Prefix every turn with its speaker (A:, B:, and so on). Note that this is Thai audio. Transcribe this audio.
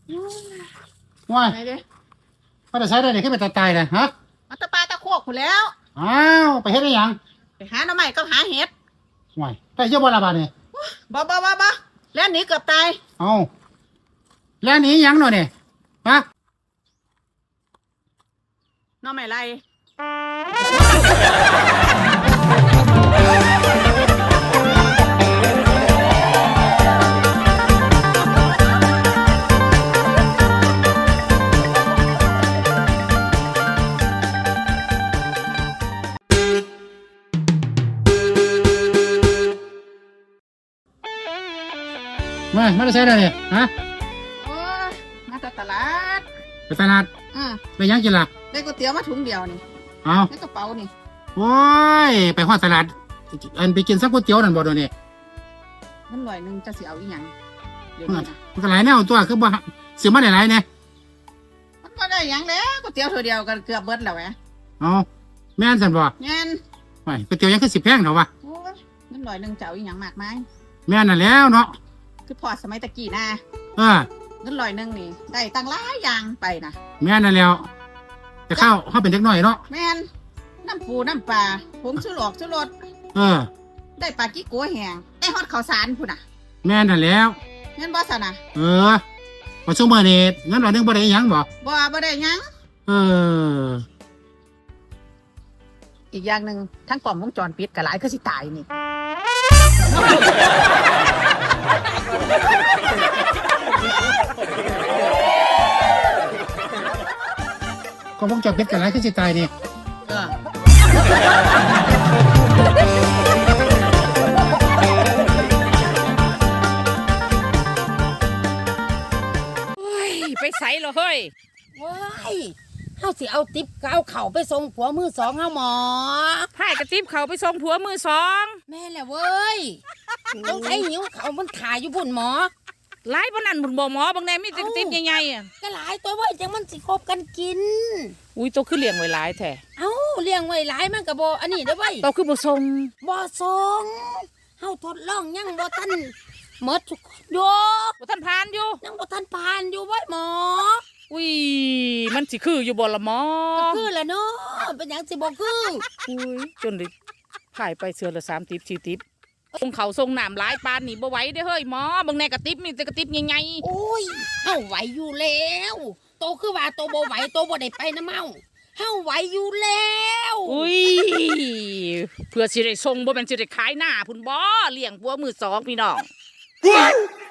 A: ว้าย
B: ไหนเด้
A: มาแต่ใช้ได้เนี่ยขึ้นไปตายเลยฮะ
B: มาตะปาตะโคกผู้แล้ว
A: อ้าวไปเฮ็ดได้หยัง
B: ไปหาหน่อไม้ก็หาเห็ด
A: ว้ายได้เยอะบ่ละบาดนี่
B: บ่แล้วหนีเกือบตาย
A: เอาแล้วหนีหยังหน่อยเนี่ยฮะ
B: หน่อไม้ไร
A: มาแต่ใช้ได้เนี่ยฮะ
B: โอ้ยมาจากตลาด
A: ไปตลาดไปหยังกินล่ะ
B: ได้ก๋วยเตี๋ยวมาถุงเดียวนี่
A: เอา
B: ในกระเป๋านี่
A: โอ้ยไปฮอดตลาดอันไปกินซักก๋วยเตี๋ยวนั่นบ่ตัวนี้
B: นั่น100นึงจะสิเอาอีหยังเดี๋ยวนี้นะ
A: มันก็หลายแนวตัวคือบ่ซื้อมาได้หลายเนี่ย
B: มันก็ได้หยังแล้วก๋วยเตี๋ยวตัวเดียวก็เกือบเบิดแล้วแหม
A: เอาแม่นซั่นบ่
B: งั้น
A: ว้ายก๋วยเตี๋ยวยังคือสิแพงเถอะวะ
B: โอ้ยนั่น100นึงจะเอาอีหยังมากมาย
A: แม่นนั่นแล้วเนาะ
B: คือพอสมัยตะกี้นะ
A: เ
B: นั่น100นึงนี่ได้ตั้งหลายอย่างไปนะ
A: แม่นนั่นแล้วแต่ข้าวเขาเป็นเด็กน้อยเนาะ
B: แม่นน้ำปูน้ำปลาผงชูรสได้ปลากิ๊กกัวแห้งได้ฮอดข้าวสารพุ่นน่ะ
A: แม่นนั่นแล้ว
B: งั้นบ่ซะนะ
A: พอช่วงเมื่อนี้งั้นเรานึงบ่ได้หยังบ่
B: บ่ได้หยังอีกอย่างหนึ่งทั้งกล่องวงจรปิดก็หลายคือสิตายนี่
A: ก็วงจรปิดกันหลายคือสิตายนี่
C: ไปใส่เหรอเฮ้ย
D: ว้ายเฮาสิเอาติ๊บเอาเข่าไปส่งผัวมือสองเฮาหมอ
C: พายกระติบเขาไปส่งผัวมือสอง
D: แม่แหละเว้ยต้องใช้หิวเขามันถ่ายอยู่บุ่นหมอ
C: หลายปานนั้นบุญบ่หมอบางแน่มีแต่กระติบใหญ่ๆอ่ะ
D: ก็หลายตัวเว้ยจังมันสิคบกันกิน
C: อุ้ยโตคือเลี้ยงไว้หลายแท้
D: เอ้าเลี้ยงไว้หลายมันก็บ่อันนี้เด้อเว้ย
C: โตคือบ่ส่ง
D: เฮาทดลองยังบ่ทันหมดทุกคนโย
C: บ่ทันผ่านอยู่
D: ยังบ่ทันผ่านอยู่เว้ยหมอ
C: อุ้ยมันสิคืออยู่บ่ละหมอ
D: ก็คือแหละเนาะเป็นหยังสิบ่คือ
C: อุ้ยจนได้พายไปเสือละ3 ติบ4 ติบส่งเขาส่งน้ำหลายปานนี่บ่ไหวเด้อเฮ้ยหมอบางแน่กระติบมีแต่กระติบใหญ่
D: ๆโอ้ยเฮาไหวอยู่แล้วโตคือว่าโตบ่ไหวโตบ่ได้ไปนะเมาเฮาไหวอยู่แล้ว
C: อุ้ยเพื่อสิได้ส่งบ่แม่นสิได้ขายหน้าพุ่นบ่เลี้ยงผัวมือสองพี่น้อง